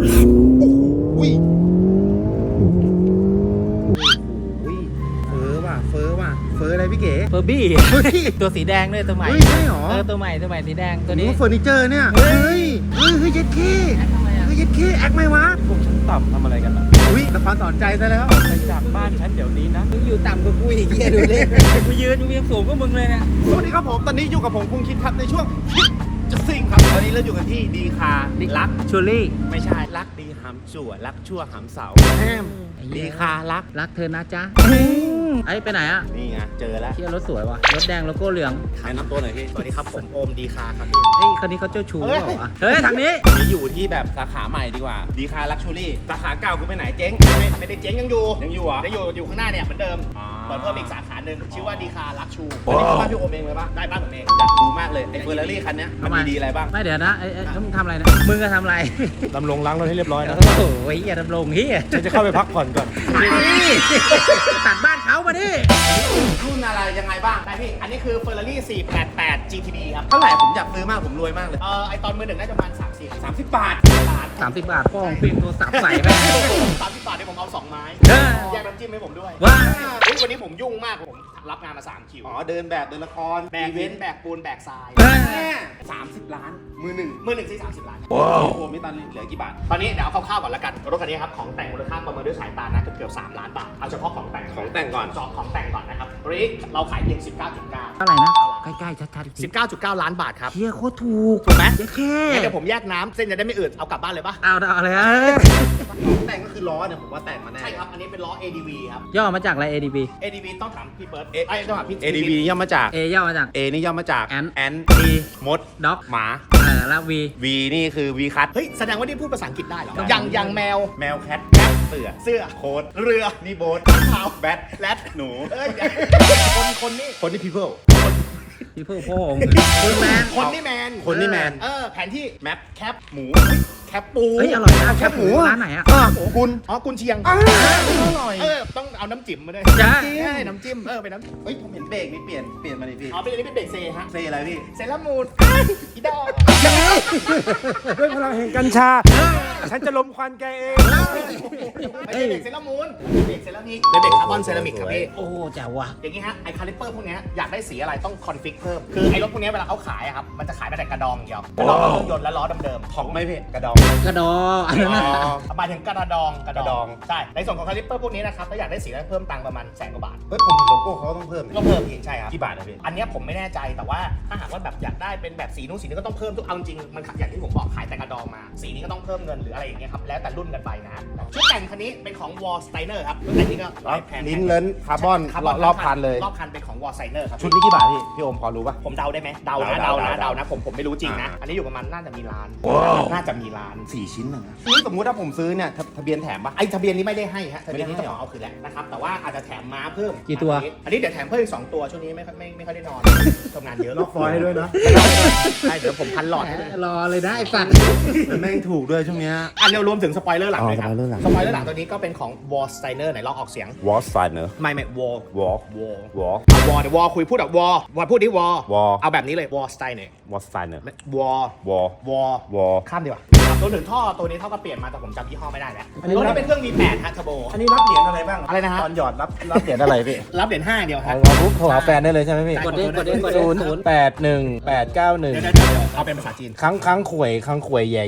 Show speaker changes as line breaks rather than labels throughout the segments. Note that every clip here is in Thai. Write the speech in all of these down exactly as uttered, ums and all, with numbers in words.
อุ้ยอุ้ยเฟอว่ะเฟอว่ะเฟออะไรพี่เก๋
เฟอร์บี้
เฮ้ย
ตัวสีแดงด้วยตัวใหม่
เฮ้ยใช่หรอ
เออตัวใหม่ตัวใหม่สีแดงตัว
นี่
นี้
เฟอร์นิเจอร์เนี่ยเฮ้ยเฮ้ยเฮ้ยเย็ดขี้
ทำไมอ่ะ
เฮ้ยเย็ดขี้แอคไหมวะ
พวกชั้นต่ำทำอะไรกันล่ะ
อุ้ยละครสอนใจซะแล้ว
ไปจากบ้านฉันเดี๋ยวนี้นะ
มึงอยู่ต่ำกว่ากูอีกเหี้ยดูเลยกูยืนมึงยังสูงกว่ามึงเลยเนี่ย
สวัสดีครับผมตอนนี้อยู่กับผมคุงคิดครับในช่วงคิดจะซิ่งครับตอนนี้เราอยู่กันที่ดีคารัก
ชูรี่
ไม่ใช่รักดีหำจั่วรักชั่วหำเสาแฮมดีคารัก
รักเธอนะจ๊ะไอ้ไปไหนอ่ะ
นี่ไงเจอแล้ว
เที่ยวรถสวยว่ะรถแดงโลโก้เหลือง
แนะนำตัวหน่อยพี่สวัสดีครับผมโอมดีคาครับพี่
เฮ้ยคนนี้เขาเจ้าชู้เปล่าวะเฮ้ยทางนี้
นี่อยู่ที่แบบสาขาใหม่ดีกว่าดีคาลักชูรี่สาขาเก่าคือไปไหนเจ๊งไม่ไม่ได้เจ๊งยังอยู่ยังอยู่เหรอยังอยู่อยู่ข้างหน้าเนี่ยเหมือนเดิมเปิดเพิ่มอีกสาขาหนึ่งชื่อว่าดีคาลักชูอันนี้คือบ้านพี่โอมเองเลยปะได้บ้านผมเองอยากดูมากเลยไอ้เฟอร์รารี่คันเนี้ยมันมีดีอะไรบ้าง
ไม่เดี๋ยวนะไอ้ไอ้แล้วมึงทำอะไรนะมึงก็ทำอะไร
ดำรงล้างรถให้เรียบร้อยนะ
โอ้โหเฮียดำรงเฮีย
ฉันจะเข้าไปพักผ่อนก่อน
ตัดบ้านเขามาดิ
รุ่นอะไรยังไงบ้างได้พี่อันนี้คือ Ferrari สี่แปดแปด จี ที บี ครับเท่าไหร่ผมอยากซื้อมากผมรวยมากเลยเออไอตอนมือหนึ่งน่าจะประมาณสามสิบสามสิบบาทบาท
สามสิบบาทพ่อของฟิล์มโทรศัพท์ใส่ไป
สามสิบบาทเนี่ยผมเอาสองไม้
เออ
แยกน้ำจิ้มให้ผมด้วย
ว้า
อุ๊ยวันนี้ผมยุ่งมากผมรับงานมาสามคิวอ๋อเดินแบบเดินละครแบกเว้นแบกปูนแบกทรายสามสิบล้านมือหนึ่งมือหนึ่งที่สามสิบล้านว้าวโอ้ไม่ตันเหลือกี่บาทตอนนี้เดี๋ยวเอาคร่าวๆก่อนละกันรถคันนี้ครับของแต่งมูลค่าประเมินด้วยสายตานะเกือบเกือบสามล้านบาทเอาเฉพาะของแต่งของแต่งก่อนจอของแต่งก่อนนะครับตัวนี้เราขายเพียงสิบเก้าจุดเก้า
เท่าไหร่นะใกล้ๆชัดๆอีกที
สิบเก้าจุดเก้าล้านบาทครับ
เฮียโคตรถูก
ถูกไหม
เดี๋ยวแค่
งั้นเดี๋ยวผมแยกน้ำเส้นจะได้ไม่อืดเอากลับบ้านเลยปะ
เอาเอาอะไรอ่ะ
แต่งก็คือล้อเนี่ยผมว่าแต่งมาแน่ใช่ครับอันนี้เป็นล้อ เอ ดี วี ครับ
ย่อมาจากอะไร เอ ดี บี
เอ ดี วี ต้องถามพี่เบิร์ดไอ้ต้องถามพี่ เอ ดี วี ย่อมาจาก
A ย่อมาจาก
A นี่ย่อมาจาก
Ant
แอนดีมด
ด็อก
หมา
เออแล้ว V
V นี่คือ V คัทเฮ้ยแสดงว่านี่พูดภาษาอังกฤษได้เหรอ
ได้
อย่างอย่างแมวแมวแคทแคทเสือเสื้อโค้ดเรือนี่โบ๊ทเท้าแบทแรดหนูเอ้ยคนคนนี่คนนี่ people
พี่ผู้พ่อของคุณแมน
คนนี่แมนคนนี่แมนเออแผนที่แมปแคปหมูแคปปู
เฮ้ยอร่อยนะ
แคปหมู
ร้านไหนอ่ะ
อ๋อกุนอ๋อกุนเชียงอร่อยเออต้องเอาน้ำจิ้มมาด้วย
จ้า
ใช่น้ำจิ้มเออเป็นน้ำเฮ้ยผมเห็นเบรกนี่เปลี่ยนเปลี่ยนมาเลยพี่อ๋อเป็นอันนี้เป็นเบรกเซฮะเซอะไรพี่เซรามูนอีดอก
ด้วยพลังแห่งกัญชา ฉันจะลมควันแกเอง
ไม่ใช่เบรกเซรามูนเบรกเซรามิกเป็นเบรกคาร์บอนเซรามิกครับพี่
โอ้แจ๋วว่ะ
อย่างงี้ฮะไอคาลิปเปอร์พวกเนี้ยอยากได้สีอะไรต้องคอนฟิกเพิ่มคือไอรถพวกเนี้ยเวลาเขาขายอะครับมันจะขายมาแต่กระดองอย่างเดียวกระดองเครื่องยนต์และล้อเดิมๆของไม่เพ่กระดอง
กระดออันนั้นน่ะ
หมายถึงกระดองกระ
กระดอง
ใช่ในส่วนของคาลิปเปอร์พวกนี้นะครับถ้าอยากได้สีแล้วเพิ่มตังค์ประมาณแสนกว่าบาทเฮ้ยผมเห็นโลโก้เขาต้องเพิ่มก็เพิ่มอีกใช่ครับกี่บาทนะพี่อันเนี้ยผมไม่แน่ใจแต่ว่าถ้าหากว่าแบบอยากได้เป็นแบบสีนู้นสีนี้ก็ต้องเพิ่มทุกเอาจริงมันอย่างที่ผมบอกขายแต่กระดองมาสีนี้ก็ต้องเพิ่มเงินหรืออะไรอย่างเงี้ยครับแล้วแต่รุ่นกันไปนะชุดแต่งคันนี้เป็นของ Wall Steiner ครับชุดแต่งนี้ก็ร้อยแพง
ลิ้นเลิ้นคาร์บอนรอบคันเลย
รอบคันเป็นของ Wall Steiner ครับ
ชุดนี้กี่บาทพี่ พี่โอมพอรู้ป่ะ
ผมเดาได้ไหมเดานะ
เดา
เดานะ
เดา
เดานะผมผมไม่รู้จริงนะ
อ่า
อันนี้อยู่ประมาณน่าจะมีล้าน
ว้าว
น่าจะมีล้าน
สี่ชิ้นนะนี่สมมุติถ้าผมซื้อเนี่ยทะทะเบียนแถมป่ะ
ไอ้ทะเบียนนี้ไม่ได้ให้ฮะทะเบียนนี้
ไม่
ต้
ได้
อง
ให้
เอาคืนแหละนะครับแต่ว่าอาจจะแถมม้าเพิ่ม
กี่ตัว
อันนี้เดี๋ยวแถมเพิ่มอีกสองตัวช่วงนี้ไม่ค่อยไม่ไม่ค่อยได้นอนทำงานเยอะ
ล็อกฟอยล์ให้ด้วยนะ
ใช่เดี๋ยวผมพันหลอดให้ด้วย
รอเลยนะไอ้สัตว์
แต่แม่งถูกด้วยช่วงเนี้ย
อันเดียวรวมถึงสปอยเลอร์หลัง
อ๋อ
เลยครับ
สปอยเลอร์หลัง
สปอยเลอร์หลังตัวนี้ก็เป็นของ Wall Steiner ไหนลองออกเสียง
วอลสไตเนอร์
ไม่ไม่ Wall
วอล
Wall
วอล
วอลเดี๋ยววอลคุยพูดแบบวอลวอลพูดดิวอล
Wall
เอาแบบนี้เลย Wall Steiner
วอลสไตเนอร์
วอล
วอล
วอล
วอล
ข้ามดีกว่าตัวถึงท่อตัวนี้เท่ากับเปลี่ยนมาแต่ผมจำยี่ห้อไม่ได้แล้ว
อันนี้
ตัวนี้เป็นเครื่อง วี แปด ฮะเทอร์โบ
อันนี้รับเหรียญอะไรบ้าง
อะไรนะฮะ
ตอนหยอดรับรับเหรียญอะไรพี่
รับเหรียญห้าเดียว
อ๋
ฮะ
อปุ๊บโทรหาแฟนได้เลยใช่ไหมพี่
ใช่
กดดิกดดิกดดิ
ศูนย์แปดหนึ่งแปดเก้าหนึ่ง
เดี๋ยวเดี๋ยวเดี๋ยวเอาเป็นภาษาจีน
ครั้งครั้งข่วยครั้งข่วยใหญ่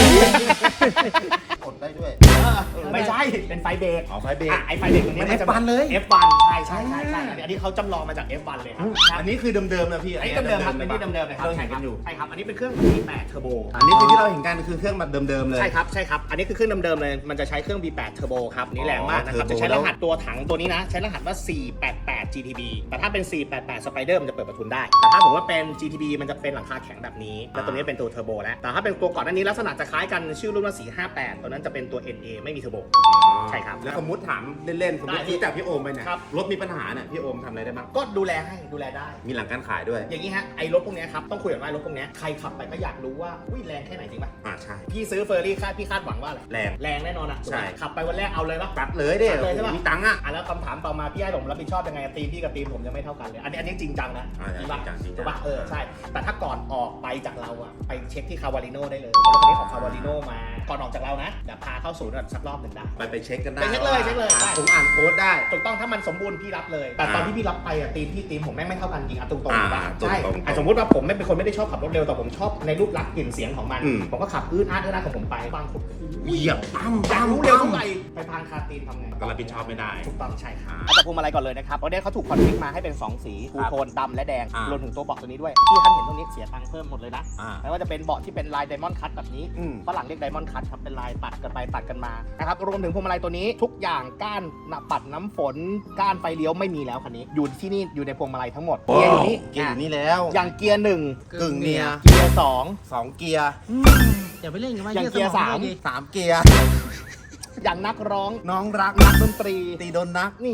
กดได้ด้วยไม่ใช่เป็นไฟเบรก
อ๋อไฟเบรก
อ่ะไอไฟเบรกตัวนี้
มัน
จะ
เอฟวันเลย
เอฟวัน ใช่ใช่ใช่ใช่อันนี้เขาจำลองมาจาก เอฟวัน เลยครับ
อันนี้คือเดิมๆนะพี่
อันนี้เดิมๆครับเป็นที่เดิมๆเลยครับ
เราเห็นกันอยู่
ใช่ครับอันนี้เป็นเครื่อง วี แปด เทอร์โบ
อันนี้คือที่เราเห็นกันคือเครื่องแบบเดิมๆเลย
ใช่ครับใช่ครับอันนี้คือเครื่องเดิมๆเลยมันจะใช้เครื่อง วี แปด เทอร์โบครับนี่แรงมากนะครับ
อ๋อ
จะใช้
Turbo
รหัสตัวถังตัวนี้นะใช้รหัสว่า สี่แปดแปด จี ที บี แต่ถ้าเป็น สี่แปดแปด Spider มันจะเปิดประทุนได้แต่ถ้าผมว่าเป็น จี ที บี มันจะเป็นหลังคาแข็งแบบนี้แล้วตัวนี้เป็นตัวเทอร์โบแล้วแต่ถ้าเป็นตัวก่อนหน้านี้ลักษณะจะคล้ายกันชื่อรุ่นว่า สี่ห้าแปด ตัวนั้นจะเป็นตัว เอ็น เอ ไม่มีเทอร์โบ ใช่ครับ
แล้วสมมติถามเล่นๆสมมติ
ได้
รู้จักพี่โอมไปเนี่ย
ครับ
รถมีปัญหาเนี่ยพี่โอมทำอะไรได้บ้าง
ก็ดูแลให้ดูแลได้
มีหลังการขายด้วย
อย่างนี้ฮะไอ้รถพวกเนี้ยครับต้องคุยกันว่ารถพวกเนี้ยใครขับไปก็อยากรู้ว่าอุ้ยแรงแค่ไหนจริงป่ะ
อ่าใช่
พี่ซื้อเฟอร์รี่คาดพี่คาดหวังว่าอะไร
แรง
แรงแน่นอนอ่ะ
ใช่
ขับไปวันแรกเอาเลยป่ะ
ตัดเลยเด้
ตัดเลยใช่ปะ
มีตังค์อ่ะ
อ่ะแล้วคำถามต่อมาพี่ให้ผมรับผิดชอบยังไงตีมพี่กับตีมผมยังไม่เท่ากันเลย อันนี้อันนี้จริงจังนะ
อ่า
จริงปะ
จริงจังจริงจัง
ถูกปะเออใช่แต่ถ้าก่อนออกไปจากเราอะไปเช็คที่คาวาลิโน่ได้เลยเพราะรถคันนี้ของคาวาลิโน่มาก่อนออกจากเรานะเดี๋ยวพาเข้าศูนย์ก่อนสักรอบหนึ่งได้
ไปไปเช็คกันได้
ไปเช็คเลยเช็คเลย
อ่า
ได้
ผมอ่านโค้ดได้
ถูกต้องถ้ามันสมบูรณ์พี่รับเลย แต่ตอนที่พี่รับไปอะตีมพี่ตีมผมแม่งไม่เท่ากันจริงอะตรงๆ
อ่า
ถูกปะ
ตรงๆ
ใช่
ตรงๆ
อ่ะสมมติว่าผมไม่เป็นคนไม่ได้ชอบขับรถเร็วแต่ผมชอบในรูปลักษณ์กลิ่นเสียงของมัน
อืม
ผมก็ขับอื้นอาร์ตอื้นอาร์ตของผมไปบางคน
เหยียบตั้ม
อยาก
ตั้ม
รู้เร็วเท่าไหร่ไปทางคาตีนทำไง
ก็รับผิดชอบไม่ได้
ถูกต้องใช่ครับ
อ่า
เอาจากพวงมาลัยก่อนเลยนะครับเพราะเนี่ยเขาถูกคอนฟิกมาให้เป็นสองสีทูโทนดำและแดง
อ่าร
วมถึงตัวเบาะตัวนี้ด้วยที่ท่านเห็นตรงนี้เสียตังค์เพิ่มหมดเลยนะ
อ่า
ไม่ว่าจะเป็นเบาะที่เป็นลายไดมอนด์คัตแบบนี้
อืม
ฝรั่งเรียกไดมอนด์คัตครับเป็นลายตัดกันไปตัดกันมานะครับรวมถึงพวงมาลัยตัวนี้ทุกอย่างก้านหน้าปัดน้ำฝนก้านไฟเลี้ยวไม่มีแล้วคันนี้อยู่ที่นี่อยู่ในพวงมาลัยทั้งหมดเกียร์อยู่นี่
เกียร์อยู่นี่แล้ว
อย่างเกียร์หนึ่ง
กึ่งเนีย
เกียร์สอง
สองเกียร์
อย่าไปเล่นกันว่า
อย่าง
ด
เกียร์
ม
สาม
ดิ
สามเกียร์
อย่างนักร้อง
น้องรัก
นักดนตรี
ตีโดนนัก
นี่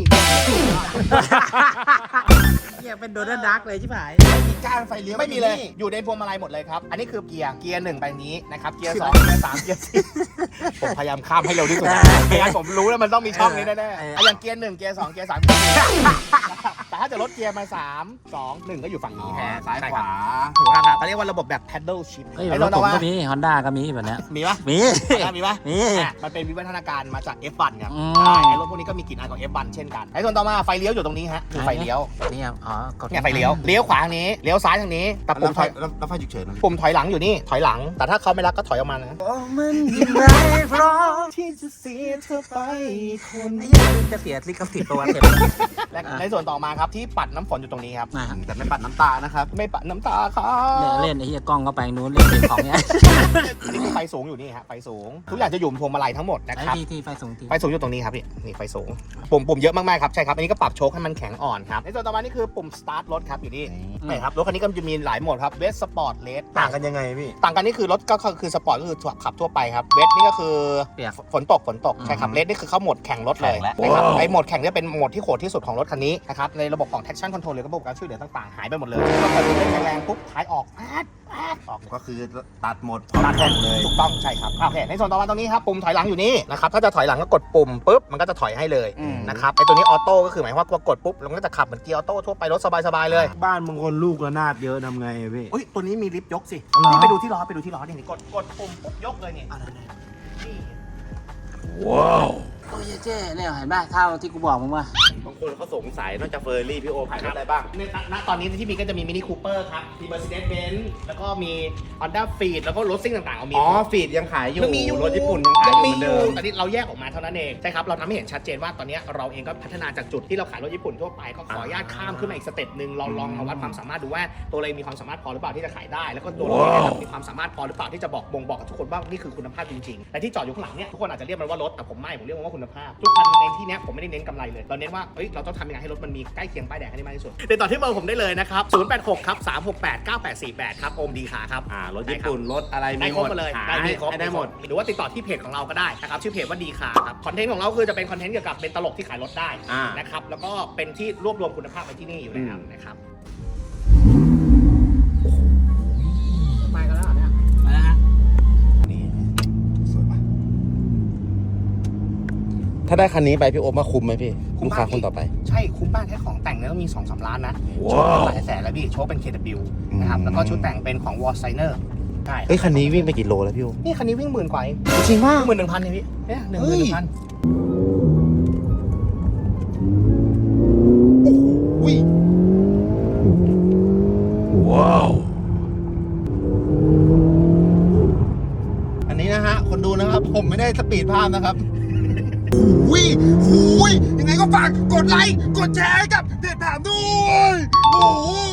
เหี้ยเป็นโดนัลด์ดักเลยใช่ไหม
มีก้านไฟเลี้ยว
ไม่มีเลย
นี่
อยู่ในพวงมาลัยหมดเลยครับ อันนี้คือเกียร์ เกียร์หนึ่งไปนี้นะครับ เกียร์สองเกียร์สามเกียร์สี่ผมพยายามข้ามให้เร็วที่สุดไม่งั้นผมรู้แล้วมันต้องมีช่องนี้แน่ๆอ่ะอย่างเกียร์หนึ่งเกียร์สองเกียร์สามเกียร์สี่แต่ถ้าจะลดเกียร์มาสามสองหนึ่งก็อยู่ฝั่ง
อ๋อ
นี้แทน
ซ้าย
ใช่
ข
ครับ
วา
ถูกต้องครับเขาเรียกว่าระบบแบบ paddle shift
เฮ้ย
ไอ้
ร
ตัว
ถ
ต่
ผ
อ
ม
มา
ก็มีฮอนด้าก็มีแบบเนี้ย
มีปะ
มี
อ่ะมีปะ
มี
อ่ะมันเป็นวิวัฒนาการมาจาก เอฟ วัน ครับ
อืม
ใช่ไอ้รถพวกนี้ก็มีกลิ่นอายของ เอฟ วัน เช่นกันไอ้ส่วนต่อมาไฟเลี้ยวอยู่ตรงนี้ฮะคือไฟเลี้ยว
นี่ครับอ๋อกด
เนี่ยไฟเลี้ยวเลี้ยวขวาทางนี้เลี้ยวซ้ายทางนี้แต่
แล้
ปุ่
ว
ม
ไฟ
ถอย
แล้วแล้วไฟฉุกเฉินนะ
ปุ่มถอยหลังอยู่นี่ถอยหลัง แต่ถ้าเขาไม่รักก็ถอยออกมานะ
โอ้มันยิ่งไม่พร้อม
ที่จะเสียเธอไปคน
ไอ้เหี้ยจะเสียลิขสิทธิ์ตัวเต็ม
และในส่วนต่อมาครับที่ปัดน้ำฝนอยู่ตรงนี้ครับ
นะ
แต่ไม่ปัดน้ำตานะครับ
ไม่ปัดน้ำตาครั
เนี่ย
บ
เล่นไอ้เหี้ยกล้องก็ไปนู้นเล่นเสียของเนี่ย
อันนี้คือไฟสูงอยู่นี่ฮะไฟสูง ทุกอย่างจะอยู่บนพวงมาลัยทั้งหมดนะ
ไอ้
ครับ
ทีทีไฟสูงที
ไฟสูงอยู่ตรงนี้ครับพี่นี่ไฟสูงปุ่มปุ่มเยอะมากๆครับใช่ครับอันนี้ก็ปรับโชคให้มันแข็งอ่อนครับในส่วนต่อมานี่คือปุ่ม start รถครับอยู่นี่นี่ครับรถคันนี้ก็จะมีหลายโหมดครับเวสสปอร์ตเลส
ต่างกันยังไงพี่
ต่างกันนี่คือรถก็คือสปอร์ตก็คือขับทั่วไปครับเวสนี่ก็คือ
เปียก
ฝนตกฝนตกใช่ครับเลสนี่คือเข้าโหมดแข่งรถเลย
แข่งแล้ว
นะครับไอโหมดแข่งเนี่ยเป็นโหมดที่โหดที่สุดของรถคันนี้นะครับในระบบของ traction control หรือระบบการช่วยเหลือต่างๆหายไปหมดเลยก็เปิดเร่งแรงๆปุ๊บท้ายออกแป๊ดแป๊ดออก
ก็คือตัดหมด
ตัดแข่งเลยถูกต้องใช่ครับโอเคในส่วนต่อมาตรงนี้ครับปุ่มถอยหลังอยู่นี่นะครับถ้าจะถอยหลังก็กดปุ่มปุ๊บมันก็จะถอยให้เลย
อืม
นะครับไอตัวนี้ออโต้ก็คือหมายความว่ากดปุ๊บมันก็จะขับเหมือนเกียร์ออโต้ทั่วไปรถสบายๆเลย
บ้านบางคนลูกระนาดเยอะทำไงอะพี่
อุ้ยตัวนี้มีลิฟต์ยกสิ
เหรอ
นี่ไปดูที่ล้อไปดูที่ล้อนี่กดกดปุ่มปุ๊บยกเลยนี่นี่
โอ้ยเจ๊เนี่ยเห็นป่ะเท่าที่กูบอกมึงว่า
บางคนเขาสงสัยนอกจากเฟอร์รี่พี่โอขายรถอะไรบ้าง
ในณตอนนี้ที่มีก็จะมีมินิคูเปอร์ครับ มี Mercedes-Benz แล้วก็มี Honda Fit แล้วก็รถซิ่งต่างๆเอามี
อ๋อฟีดยังขายอยู่
ยังมีอยู่
รถญี่ปุ่นยังขายอยู่เหมือนเดิม
ตอนนี้เราแยกออกมาเท่านั้นเองใช่ครับเราทำให้เห็นชัดเจนว่าตอนนี้เราเองก็พัฒนาจากจุดที่เราขายรถญี่ปุ่นทั่วไปก็ขออนุญาตข้ามขึ้นมาอีกสเต็ปหนึ่งลองลองมาวัดความสามารถดูว่าตัวเรามีความสามารถพอหรือเปล่าที่จะขายได้ แล้วก็ตัวเราเองเนี่ยมีความสามารถพอหรือเปล่าที่จะบอกบ่งบอกกับทุกคนว่านี่คือคุณภาพจริงๆและที่จอดอยู่ข้างหลังเนี่ยทุกคนอาจจะเรียกมันว่ารถแต่ผมไม่ผมเรียกมันว่าคุณภาพทุกคันในที่เนี้ยผมไม่ได้เน้นกำไรเลยเราเน้นว่าเอ้ยเราต้องทำยังไงให้รถมันมีใกล้เคียงป้ายแดงให้ได้มากที่สุดติดต่อที่เบอร์ผมได้เลยนะครับศูนย์ แปด หก ครับ สาม หก แปด เก้า แปด สี่ แปดครับโอมดีขาครับ
อ่ารถญี่ปุ่นรถอะไร
ได้
มี
ค
ห
ร
ม
บ
ด
มาเลย
ขาย
ได้มีครบ
ได้หมด
หรือว่าติดต่อที่เพจของเราก็ได้นะครับชื่อเพจว่าดีค่ะครับคอนเทนต์ของเราคือจะเป็นคอนเทนต์เกี่ยวกับเป็นตลกที่ขายรถได้
อ่า
นะครับแล้วก็เป็นที่รวบรวมคุณภาพไว้ที่นี่อยู่แล้ว
อืม
นะครับไปกันแล้วเนี่ย
มาแล้วฮะ
นี่สวยปะถ้าได้คันนี้ไปพี่โอมาคุ้มไหมพี่ลูกค้าคนต่อไป
ใช่คุ้มมากแค่ของแต่งเนี่ยก็มี สองสาม ล้านนะ
ว้าว
โชว์หลายแสนแล้วพี่โชว์เป็น เค ดับเบิลยู นะครับ
อืม
แล้วก็ชุดแต่งเป็นของ วอลไซเนอร์ ใช่
เอ้ยคันนี้วิ่งไปกี่โลแล้วพี่โอ
นี่คันนี้วิ่งหมื่นกว่าเอง
จริงมาก
หมื่นหนึ่งพันเองพี่เนี่ยหนึ่งหมื่นหนึ่งพัน
อุ้ยว้าวอันนี้นะฮะคนดูนะครับผมไม่ได้สปีดภาพนะครับหุยหุยยังไงก็ฝากกดไลค์กดแชร์ให้กับเพจถามด้วยโอ้โห